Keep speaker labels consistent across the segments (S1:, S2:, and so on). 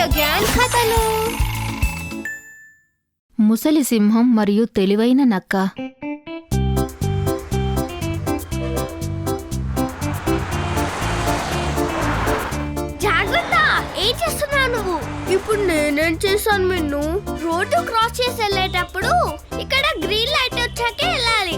S1: Grand కథలు.
S2: ముసలి సింహం మరియు తెలివైన నక్క.
S1: జాగ్రత్త, ఏం చేస్తున్నావు నువ్వు? ఇప్పుడు నేనేం చేశాను? నిన్ను రోడ్డు క్రాస్ చేసి వెళ్ళేటప్పుడు ఇక్కడ గ్రీన్ లైట్ వచ్చాకే వెళ్ళాలి.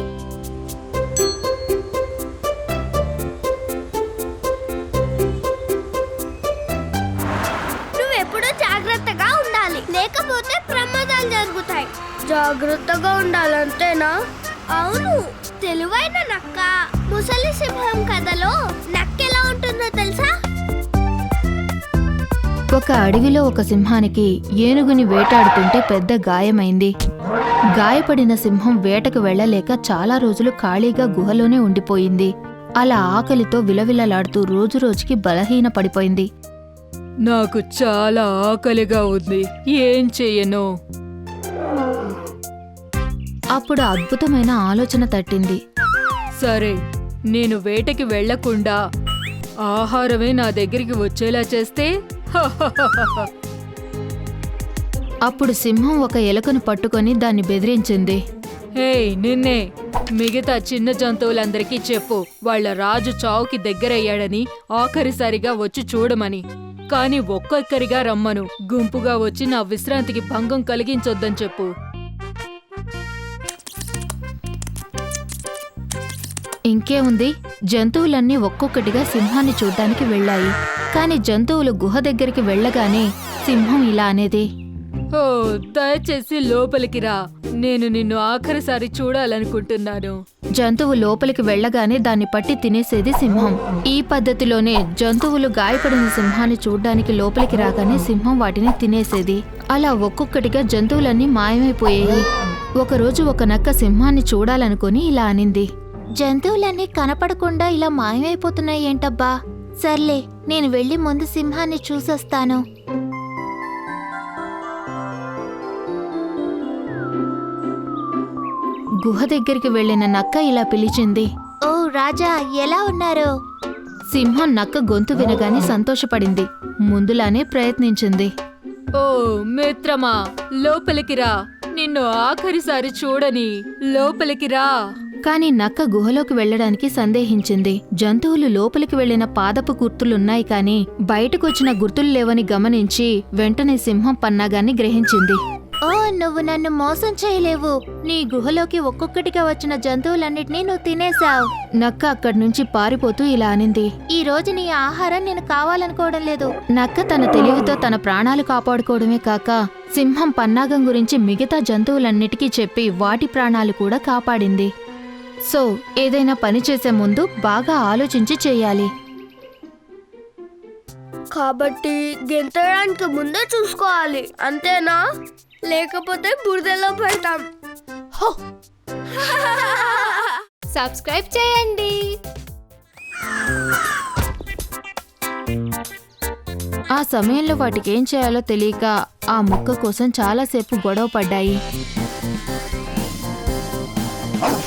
S1: నువ్వెప్పుడు జాగ్రత్తగా ఉండాలి, లేకపోతే ప్రమాదాలు జరుగుతాయి. జాగ్రత్తగా ఉండాలంతేనా? అవును. తెలివైన నక్క ముసలి సింహం కథలో నక్క ఎలా ఉంటుందో తెలుసా?
S2: ఒక అడవిలో ఒక సింహానికి ఏనుగుని వేటాడుతుంటే పెద్ద గాయమైంది. గాయపడిన సింహం వేటకు వెళ్లలేక చాలా రోజులు ఖాళీగా గుహలోనే ఉండిపోయింది. అలా ఆకలితో విలవిలలాడుతూ రోజురోజుకి బలహీన పడిపోయింది.
S3: నాకు చాలా ఆకలిగా ఉంది, ఏం చెయ్యను?
S2: అప్పుడు అద్భుతమైన ఆలోచన తట్టింది.
S3: సరే, నేను వేటకి వెళ్లకుండా ఆహారమే నా దగ్గరికి వచ్చేలా చేస్తే
S2: అప్పుడు సింహం ఒక ఎలుకను పట్టుకొని దాన్ని బెదిరించింది.
S3: హే నిన్నే, మిగతా చిన్న జంతువులందరికీ చెప్పు వాళ్ళ రాజు చావుకి దగ్గరయ్యాడని, ఆఖరిసారిగా వచ్చి చూడమని. కాని ఒక్కొక్కరిగా రమ్మను, గుంపుగా వచ్చి నా విశ్రాంతికి భంగం కలిగించొద్దని చెప్పు.
S2: ఇంకేముంది, జంతువులన్నీ ఒక్కొక్కటిగా సింహాన్ని చూడ్డానికి వెళ్లాయి. కాని జంతువులు గుహ దగ్గరికి వెళ్లగానే సింహం ఇలా అనేది.
S3: ఓ, దయచేసి లోపలికి రా, నేను నిన్ను ఆఖరిసారి చూడాలనుకుంటున్నాను.
S2: జంతువు లోపలికి వెళ్లగానే దాన్ని పట్టి తినేసేది సింహం. ఈ పద్ధతిలోనే జంతువులు గాయపడిన సింహాన్ని చూడ్డానికి లోపలికి రాగానే సింహం వాటిని తినేసేది. అలా ఒక్కొక్కటిగా జంతువులన్నీ మాయమైపోయాయి. ఒకరోజు ఒక నక్క సింహాన్ని చూడాలనుకుని ఇలా అనింది. జంతువులన్నీ కనపడకుండా ఇలా మాయమైపోతున్నాయి ఏంటబ్బా? సర్లే, నేను వెళ్లి ముందు సింహాన్ని చూసొస్తాను. గుహ దగ్గరికి వెళ్లిన నక్క ఇలా పిలిచింది. ఓ రాజా, ఎలా ఉన్నారు? సింహం నక్క గొంతు వినగానే సంతోషపడింది. ముందులానే ప్రయత్నించింది.
S3: ఓ మిత్రమా, లోపలికి రా, నిన్ను ఆఖరిసారి చూడని, లోపలికి రా.
S2: కాని నక్క గుహలోకి వెళ్లడానికి సందేహించింది. జంతువులు లోపలికి వెళ్లిన పాదపు గుర్తులున్నాయి కాని బయటకొచ్చిన గుర్తులు లేవని గమనించి వెంటనే సింహం పన్నాగాన్ని గ్రహించింది. ఓ, నువ్వు నన్ను మోసం చేయలేవు. నీ గుహలోకి ఒక్కొక్కటిగా వచ్చిన జంతువులన్నిటినీ నువ్వు తినేశావు. నక్క అక్కడి నుంచి పారిపోతూ ఇలా అనింది. ఈ రోజు నీ ఆహారం నేను కావాలనుకోవడం లేదు. నక్క తన తెలివితో తన ప్రాణాలు కాపాడుకోవడమే కాక సింహం పన్నాగం గురించి మిగతా జంతువులన్నిటికీ చెప్పి వాటి ప్రాణాలు కూడా కాపాడింది. సో, ఏదైనా పని చేసే ముందు బాగా ఆలోచించి చెయ్యాలి.
S1: కాబట్టి గెంతడానికి ముందే చూసుకోవాలి, అంతేనా? లేకపోతే బురదలో పెడతాం. సబ్స్క్రైబ్ చేయండి.
S2: ఆ సమయంలో వాటికేం చేయాలో తెలియక ఆ ముక్క కోసం చాలాసేపు గొడవ పడ్డాయి.